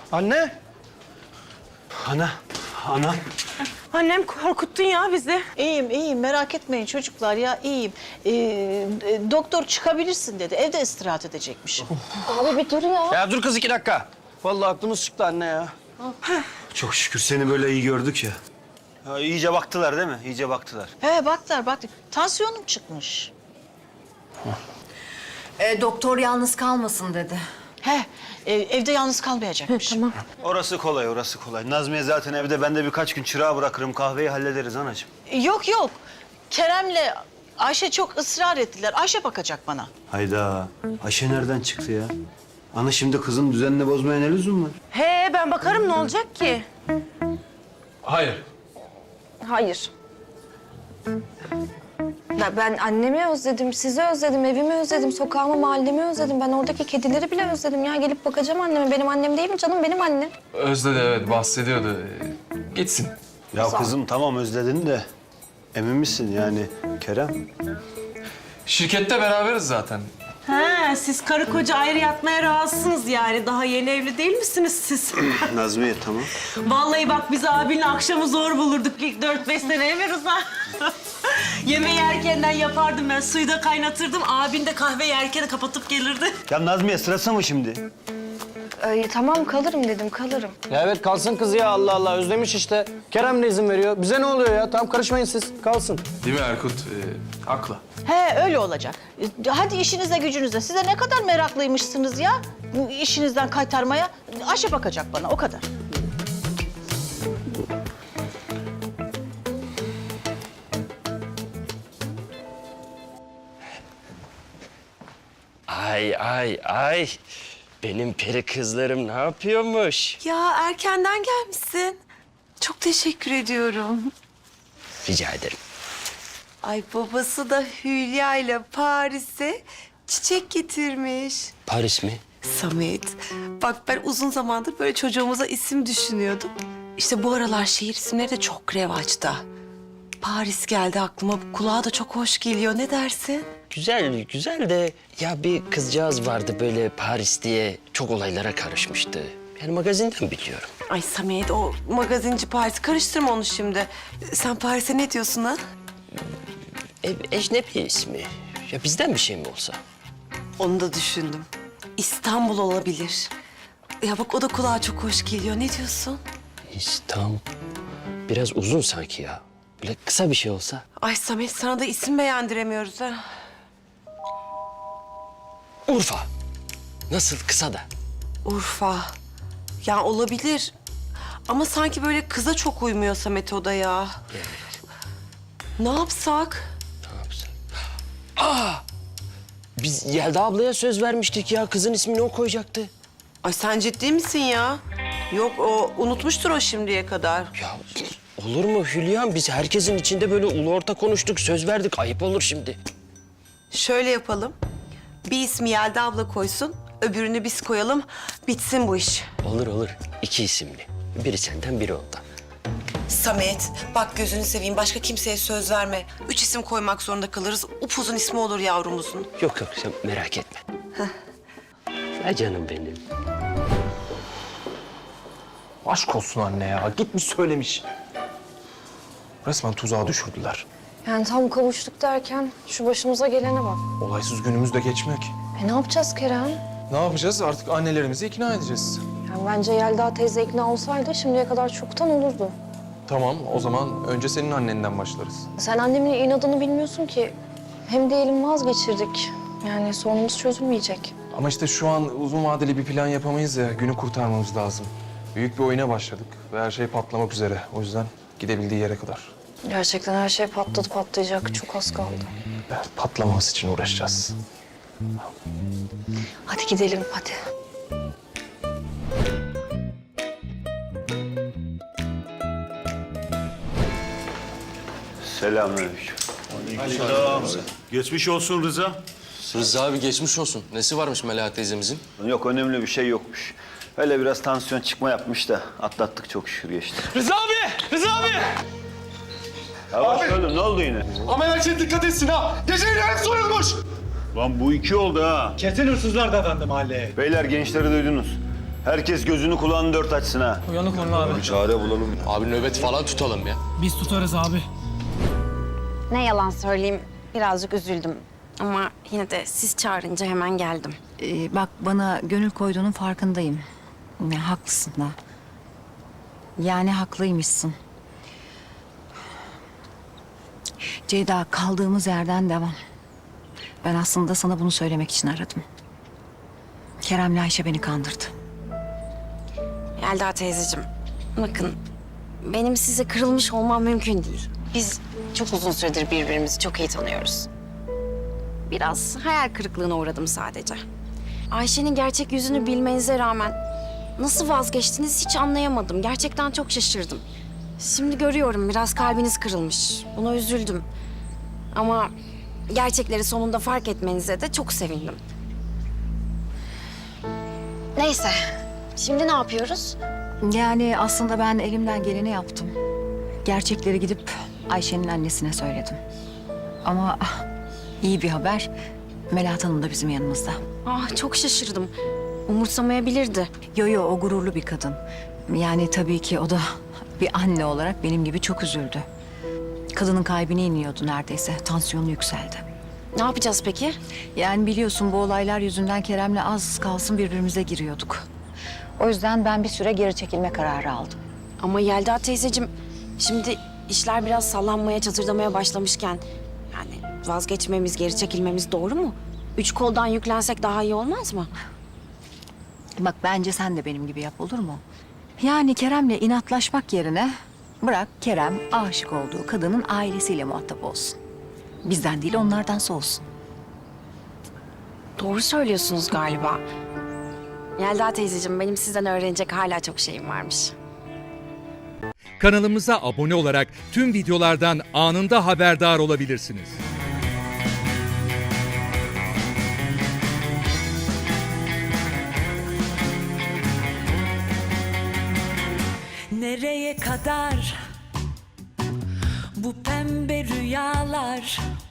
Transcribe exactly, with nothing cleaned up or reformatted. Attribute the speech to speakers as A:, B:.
A: Anne.
B: Ana, ana.
C: Annem korkuttun ya bizi.
D: İyiyim, iyiyim. Merak etmeyin çocuklar ya, iyiyim. Ee, e, doktor çıkabilirsin dedi. Evde istirahat edecekmiş.
E: Abi bir dur ya.
A: Ya dur kız iki dakika. Vallahi aklımız çıktı anne ya.
B: Çok şükür seni böyle iyi gördük ya. Ya iyice baktılar değil mi? İyice baktılar.
D: He baktılar, baktılar. Tansiyonum çıkmış.
E: E, doktor yalnız kalmasın dedi.
D: He, e, evde yalnız kalmayacakmış.
E: Tamam.
B: Orası kolay, orası kolay. Nazmiye zaten evde. Ben de birkaç gün çırağı bırakırım. Kahveyi hallederiz anacığım.
D: Yok yok. Kerem'le Ayşe çok ısrar ettiler. Ayşe bakacak bana.
B: Hayda. Ayşe nereden çıktı ya? Ana şimdi kızın düzenini bozmaya ne lüzum var?
C: He ben bakarım ne olacak ki?
F: Hayır.
E: Hayır. Ya ben annemi özledim, sizi özledim, evimi özledim, sokağımı, mahallemi özledim. Ben oradaki kedileri bile özledim ya. Gelip bakacağım anneme. Benim annem değil mi canım? Benim annem.
F: Özledi evet bahsediyordu. Ee, Gitsin.
B: Ya kızım tamam özledin de emin misin yani Kerem?
F: Şirkette beraberiz zaten.
C: Ha siz karı koca ayrı yatmaya razısınız yani. Daha yeni evli değil misiniz siz?
B: Nazmiye tamam.
C: Vallahi bak biz abinle akşamı zor bulurduk ilk dört beş sene mi Rıza? Yemeği erkenden yapardım ben. Suyu da kaynatırdım. Abin de kahveyi erken kapatıp gelirdi.
B: Ya Nazmiye sırası mı şimdi?
E: Ee, tamam kalırım dedim, kalırım.
A: Ya evet kalsın kız ya Allah Allah özlemiş işte. Kerem de izin veriyor. Bize ne oluyor ya? Tamam karışmayın siz. Kalsın.
F: Değil mi Erkut? Ee, haklı.
D: He öyle olacak. E, Hadi işinize gücünüze. Size ne kadar meraklıymışsınız ya bu işinizden kaytarmaya. Ayşe bakacak bana o kadar.
G: Ay ay ay. Benim peri kızlarım ne yapıyormuş?
H: Ya erkenden gelmişsin. Çok teşekkür ediyorum.
G: Rica ederim.
H: Ay babası da Hülya ile Paris'e çiçek getirmiş.
G: Paris mi?
H: Samet, bak ben uzun zamandır böyle çocuğumuza isim düşünüyordum. İşte bu aralar şehir isimleri de çok revaçta. Paris geldi aklıma. Kulağa da çok hoş geliyor. Ne dersin?
G: Güzel güzel de ya bir kızcağız vardı böyle Paris diye çok olaylara karışmıştı. Yani magazinden biliyorum.
H: Ay Samet, o magazinci Paris. Karıştırma onu şimdi. Sen Paris'e ne diyorsun ha?
G: E, ecnebi ismi. Ya bizden bir şey mi olsa?
H: Onu da düşündüm. İstanbul olabilir. Ya bak o da kulağa çok hoş geliyor. Ne diyorsun?
G: İstanbul. Biraz uzun sanki ya. Böyle kısa bir şey olsa.
H: Ay Samet, sana da isim beğendiremiyoruz ha.
G: Urfa. Nasıl kısa da?
H: Urfa. Ya olabilir. Ama sanki böyle kıza çok uymuyor Samet o da ya.
G: Evet.
H: Ne yapsak?
G: Ne yapsak? Aa! Biz Yelda ablaya söz vermiştik ya. Kızın ismini o koyacaktı.
H: Ay sen ciddi misin ya? Yok o unutmuştur o şimdiye kadar.
G: Ya olur mu Hülya'm? Biz herkesin içinde böyle ulu orta konuştuk, söz verdik. Ayıp olur şimdi.
H: Şöyle yapalım. Bir ismi Yelda abla koysun, öbürünü biz koyalım. Bitsin bu iş.
G: Olur olur. İki isimli. Biri senden, biri ondan.
H: Samet, bak gözünü seveyim. Başka kimseye söz verme. Üç isim koymak zorunda kalırız. Upuzun ismi olur yavrumuzun.
G: Yok yok sen merak etme. Ya canım benim.
F: Aşk olsun anne ya. Gitmiş söylemiş. Resmen tuzağa düşürdüler.
E: Yani tam kavuştuk derken şu başımıza gelene bak.
F: Olaysız günümüz de geçmiyor ki.
E: E ne yapacağız Kerem?
F: Ne yapacağız? Artık annelerimizi ikna edeceğiz.
E: Yani bence Yelda teyze ikna olsaydı şimdiye kadar çoktan olurdu.
F: Tamam, o zaman önce senin annenden başlarız.
E: Sen annemin inadını bilmiyorsun ki. Hem diyelim vazgeçirdik. Yani sorunumuz çözülmeyecek.
F: Ama işte şu an uzun vadeli bir plan yapamayız ya. Günü kurtarmamız lazım. Büyük bir oyuna başladık ve her şey patlamak üzere. O yüzden gidebildiği yere kadar.
E: Gerçekten her şey patladı patlayacak. Çok az kaldı.
F: Evet, patlamaması için uğraşacağız.
E: Hadi gidelim hadi.
B: Selamünaleyküm. Geçmiş olsun Rıza.
I: Rıza abi geçmiş olsun. Nesi varmış Melahat teyzemizin?
B: Yok önemli bir şey yokmuş. Öyle biraz tansiyon çıkma yapmış da atlattık çok şükür geçti.
A: Rıza abi! Rıza abi!
B: Yavaş oğlum ne oldu yine?
A: Ameliyat için dikkat etsin ha! Gecenin hep soyulmuş!
B: Lan bu iki oldu ha.
A: Kesin hırsızlar dadandı mahalleye.
B: Beyler gençleri duydunuz. Herkes gözünü kulağını dört açsın ha.
A: Uyanık olun abi.
B: Çare bulalım.
I: Abi nöbet falan tutalım ya.
A: Biz tutarız abi.
J: Ne yalan söyleyeyim, birazcık üzüldüm. Ama yine de siz çağırınca hemen geldim.
D: Ee, bak bana gönül koyduğunun farkındayım. Ya, haklısın da. Yani haklıymışsın. Ceyda kaldığımız yerden devam. Ben aslında sana bunu söylemek için aradım. Kerem'le Ayşe beni kandırdı.
J: Yelda teyzeciğim, bakın benim size kırılmış olmam mümkün değil. Biz çok uzun süredir birbirimizi çok iyi tanıyoruz. Biraz hayal kırıklığına uğradım sadece. Ayşe'nin gerçek yüzünü bilmenize rağmen nasıl vazgeçtiniz hiç anlayamadım. Gerçekten çok şaşırdım. Şimdi görüyorum biraz kalbiniz kırılmış. Buna üzüldüm. Ama gerçekleri sonunda fark etmenize de çok sevindim. Neyse, şimdi ne yapıyoruz?
D: Yani aslında ben elimden geleni yaptım. Gerçekleri gidip Ayşe'nin annesine söyledim. Ama ah, iyi bir haber. Melahat Hanım da bizim yanımızda.
J: Ah çok şaşırdım. Umursamayabilirdi.
D: Yo yo o gururlu bir kadın. Yani tabii ki o da bir anne olarak benim gibi çok üzüldü. Kadının kalbine iniyordu neredeyse. Tansiyonu yükseldi.
J: Ne yapacağız peki?
D: Yani biliyorsun bu olaylar yüzünden Kerem'le az kalsın birbirimize giriyorduk. O yüzden ben bir süre geri çekilme kararı aldım.
J: Ama Yelda teyzeciğim, şimdi işler biraz sallanmaya, çatırdamaya başlamışken... yani vazgeçmemiz, geri çekilmemiz doğru mu? Üç koldan yüklensek daha iyi olmaz mı?
D: Bak bence sen de benim gibi yap olur mu? Yani Kerem'le inatlaşmak yerine bırak Kerem aşık olduğu kadının ailesiyle muhatap olsun. Bizden değil onlardan soğusun.
J: Doğru söylüyorsunuz galiba. Yelda teyzeciğim, benim sizden öğrenecek hala çok şeyim varmış.
K: Kanalımıza abone olarak tüm videolardan anında haberdar olabilirsiniz.
L: Nereye kadar bu pembe rüyalar?